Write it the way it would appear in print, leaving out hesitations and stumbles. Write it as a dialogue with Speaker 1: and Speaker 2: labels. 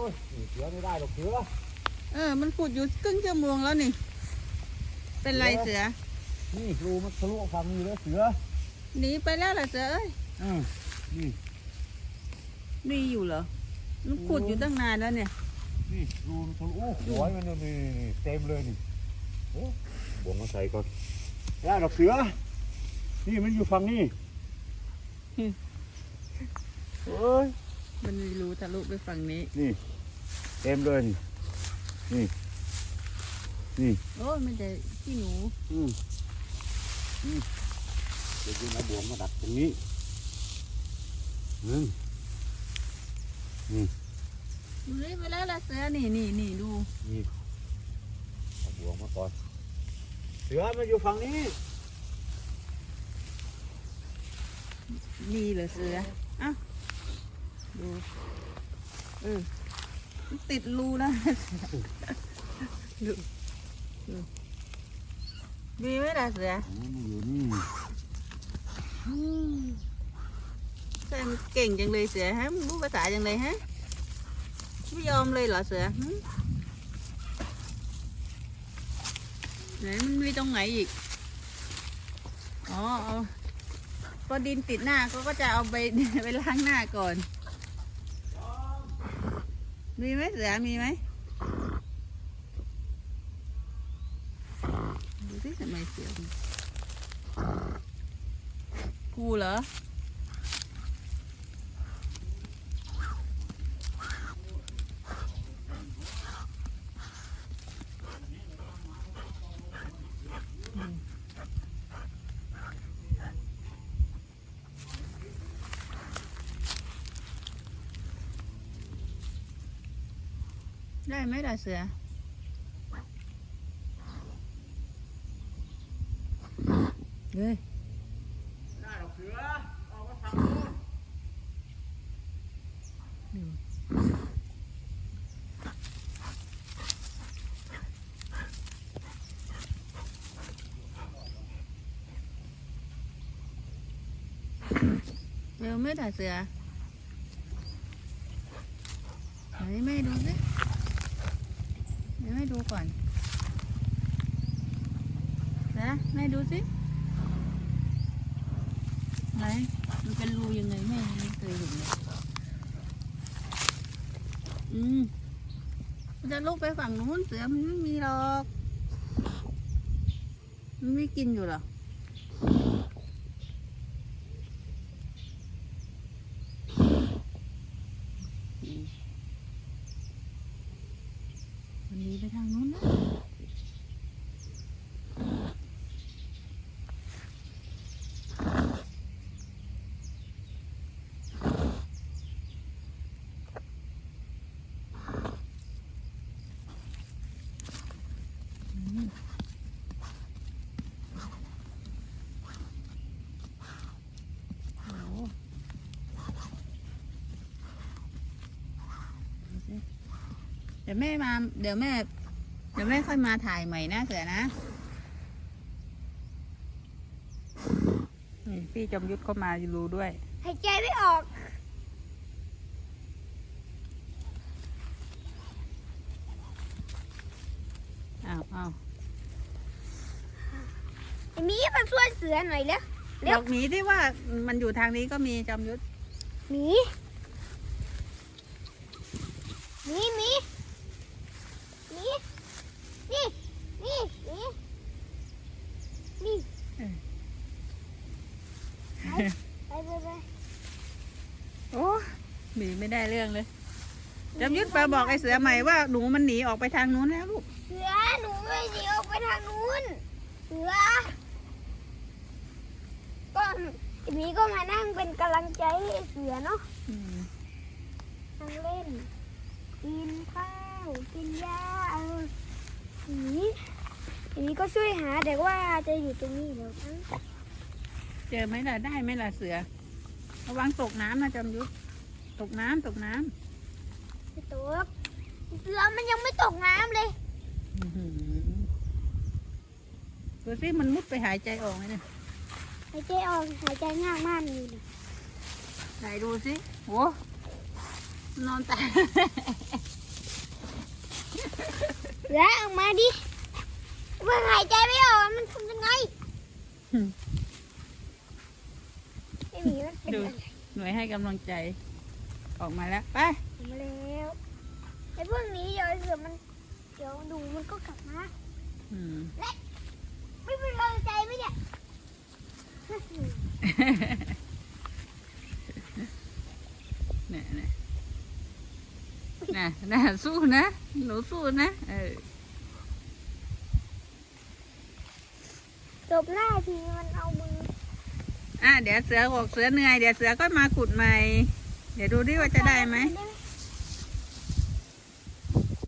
Speaker 1: ยเสือไม่ได้หรอกเสือ
Speaker 2: มันขุดอยู่ครึ่งชั่วโมงแล้วนี่เป็นไรเสือ
Speaker 1: นี่รูมันทะลุฝั่งนี้แล้วเสือ
Speaker 2: หนีไปแล้วเหรอเสือเอ้ย
Speaker 1: นี่
Speaker 2: มีอยู่เหรอมันขุดอยู่ตั้งนานแล้วเนี่ย
Speaker 1: นี่รูมันทะลุโอ้โหมันนี่เต็มเลยนี่โอ้บ่วงมาใส่ก่อนได้หรอกเสือนี่มันอยู่ฝั่งนี้เฮ้ย
Speaker 2: มันมีรูทะลุไปฝั่งนี้
Speaker 1: นี่เต็มเลยนี่
Speaker 2: โอ้มันจะขี้หนู
Speaker 1: เดี๋ยวเอาบ่วงมาดักตรงนี้นี่
Speaker 2: ไปแล้วล่ะเสือนี่ดู
Speaker 1: เอาบ่วงมาก่อนเสือมันอยู่ฝั่งนี้
Speaker 2: นี่เหรอเสืออ้าวดูติดรูนะดูมีไหมล่ะเสือ
Speaker 1: มันอยู่นี่
Speaker 2: ใช่มันเก่งจังเลยเสือฮะมึงรู้ภาษาจังเลยฮะไม่ยอมเลยเหรอเสือไหนมันมีตรงไหนอีกอ๋อพอดินติดหน้าเขาก็จะเอาไปล้างหน้าก่อนมีไหมเสือมีไหมดูสิทำไมเสือกูเหรอได้ไหมล่ะเสือเฮ้ย
Speaker 1: ได้หรอกเสือออกมาทางโน้
Speaker 2: นเร็วไหมล่ะเสือไหนแม่ดูสิเดี๋ยวแม่ดูก่อนนะแม่ดูสิไหนมันเป็นรูยังไงแม่ไม่เคยเห็นเลยมันจะลุกไปฝั่งนู้นเสือมันไม่มีหรอกมันไม่กินอยู่หรอมันหนีไปทางนู้นนะเดี๋ยวแม่มาเดี๋ยวแม่ค่อยมาถ่ายใหม่นะเสือนะนี่พี่จอมยุทธเข้ามาดูด้วย
Speaker 3: หายใจไม่ออก
Speaker 2: อ้าว
Speaker 3: มีมาช่วยเสือหน่อยแล้ว
Speaker 2: บอกหมีที่ว่ามันอยู่ทางนี้ก็มีจอมยุทธ
Speaker 3: หมีนี่นี่ไป
Speaker 2: โอ้หมีไม่ได้เรื่องเลยจอมยุทธไปบอกไอ้เสือใหม่ว่าหนูมันหนีออกไปทางนู้นแล้วลูก
Speaker 3: เสือหนูไม่หนีออกไปทางนู้นเสือก็หมีก็มานั่งเป็นกำลังใจให้เสือเนาะนั่งเล่นกินข้าวกินหญ้าหมีก็ช่วยหาแต่ว่าจะอยู่ตรงนี้เดี๋ยว
Speaker 2: เจอไหมล่ะได้ไหมล่ะเสือระวังตกน้ำนะจอมยุทธตกน้ำ
Speaker 3: ไม่ตกเสือมันยังไม่ตกน้ำเลย
Speaker 2: ดูสิมันมุดไปหายใจออกไหมเนี่ย
Speaker 3: หายใจออกหายใจง่ายมากเลย
Speaker 2: ไหนดูสิโอ้นอนตาย
Speaker 3: เสือออกมาดิเมื่อหายใจไม่ออกมันทำยังไงไอ้หมีมันเป็น
Speaker 2: ดู
Speaker 3: อะไร
Speaker 2: หน่วยให้กำลังใจ ออกมาแล้วไป
Speaker 3: ออกมาแล้วไอ้พวกนี้เดี๋ยวไอ้เสือมันเดี๋ยวดูมันก็กลับมา
Speaker 2: อืม
Speaker 3: ไม่เป็นกำลังใจไหมเนี่ย
Speaker 2: เนี่ยน่ะสู้นะหนูสู้นะ
Speaker 3: จบหน้าทีมันเอามือ
Speaker 2: เดี๋ยวเสือบอกเสือเหนื่อยเดี๋ยวเสือก็มาขุดใหม่ เดี๋ยวดูดิว่าจะได้ไหม
Speaker 3: ได้ไหม